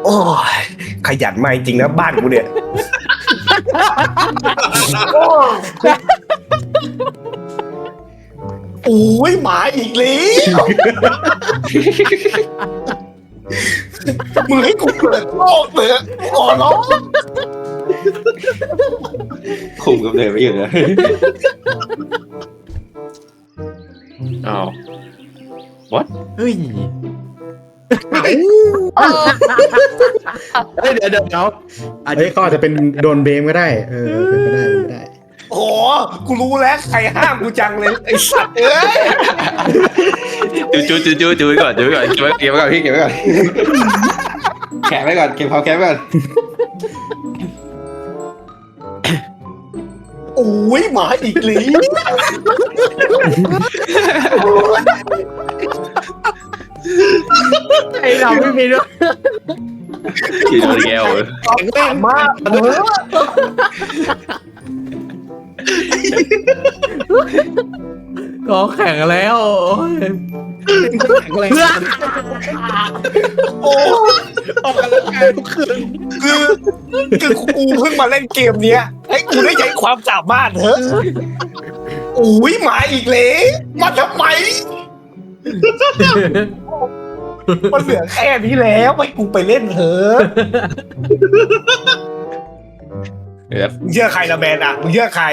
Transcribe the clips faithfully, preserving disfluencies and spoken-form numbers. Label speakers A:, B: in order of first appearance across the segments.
A: อ้ยขยันมาจริงนะบ้านกูเนี่ยโอ้ยหมาอีกแล้วมึงให้กูเปิดโลกเลยขอร้อง
B: คุมกับเดินไม่อยู่เลยอ้าว what
C: เฮ้ย
D: เฮ้ยเดี๋ยวเดี๋ยวเดี๋ยวอันนี้ก็อาจจะเป็นโดนเบมก็ได้ เออเป็นไปได้เป็นไปได้
A: โอ้กูรู้แล้วใครห้ามกูจังเลยไอ้สัตว์เอ้ย
B: จูจูจูจูจูไว้ก่อนจูไว้ก่อนเก็บไว้เก็บไว้ก่อนพี่เก็บไว้ก่อนแขะไว้ก่อนเก็บความแขะไว้ก่อน
A: โอ้ยหมาอีกแล้ว
C: ไอเราไม่มีด้วย
B: อยู่โดนแก้วเลย
A: แข็งแรงมากเออ
C: ก็แข่งแล้วโอ้ย
D: แข็งแรง
A: โอ้
D: ออกกำลังกายทุกคืน
A: คือคือกูเพิ่งมาเล่นเกมเนี้ยให้กูได้ใช้ความสามารถเถอะโอ้ยหมาอีกแล้วมาทำไมมันเหลือแค่นี้แล้วให้กูไปเล่นเถอะ
B: เดี๋ยว
A: มึงเชื่อใครละแมนอ่ะมึงเชื่อใคร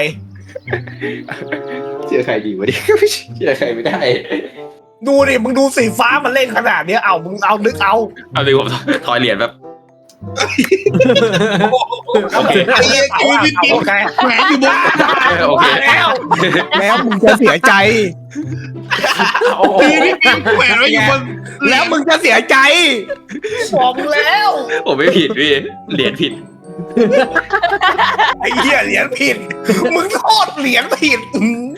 B: เชื่อใครดีวะดิเชื่อใครไม่ได้
A: ดูดิมึงดูสีฟ้ามันเล่นขนาดเนี้ยเอามึงเอานึกเอา
B: เอาดิผมทอยเหรียญแบบ
A: โอเคโอเคโอเคแหมอยู่บน
B: โอเค
A: แล้ว แล้วมึงจะเสียใจ
D: ตีนี่ปีนแขวนไว้อยู่บน
A: แล้วมึงจะเสียใจบอกมึงแล้ว
B: ผมไม่ผิดพี่เหรียญผิด
A: ไอ้เหี้ยเหรียญผิดมึงโทษเหรียญผิดอืม